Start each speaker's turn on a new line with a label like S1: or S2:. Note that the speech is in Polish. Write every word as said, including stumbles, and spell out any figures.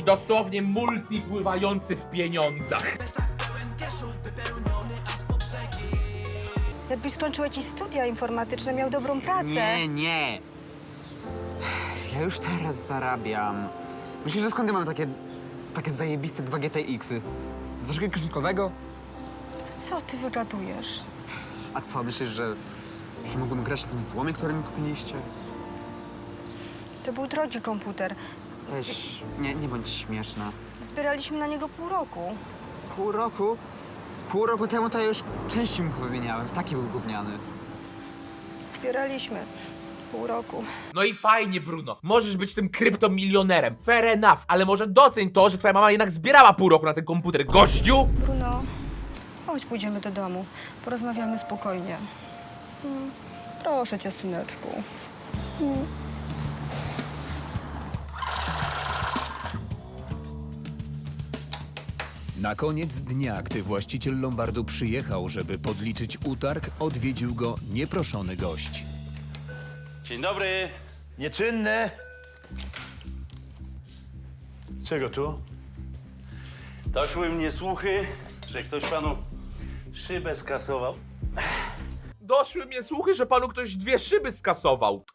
S1: dosłownie multi pływający w pieniądzach.
S2: Jakbyś skończył jakieś studia informatyczne, miał dobrą pracę.
S3: Nie, nie. Ja już teraz zarabiam. Myślisz, że skąd ja mam takie, takie zajebiste dwa G T X-y? Z waszego kieszonkowego?
S2: Co, co ty wygadujesz?
S3: A co, myślisz, że, że mógłbym grać na tym złomie, który mi kupiliście?
S2: To był drogi komputer.
S3: Weź, nie, nie bądź śmieszna.
S2: Zbieraliśmy na niego pół roku.
S3: Pół roku? Pół roku temu to ja już części mu wymieniałem. Taki był gówniany.
S2: Zbieraliśmy pół roku.
S1: No i fajnie, Bruno. Możesz być tym kryptomilionerem. Fair enough, ale może doceń to, że twoja mama jednak zbierała pół roku na ten komputer. Gościu!
S2: Bruno, chodź, pójdziemy do domu. Porozmawiamy spokojnie. Mm, proszę cię, syneczku. Mm.
S4: Na koniec dnia, gdy właściciel lombardu przyjechał, żeby podliczyć utarg, odwiedził go nieproszony gość.
S5: Dzień dobry.
S6: Nieczynny. Czego tu?
S5: Doszły mnie słuchy, że ktoś panu szybę skasował.
S1: Doszły mnie słuchy, że panu ktoś dwie szyby skasował.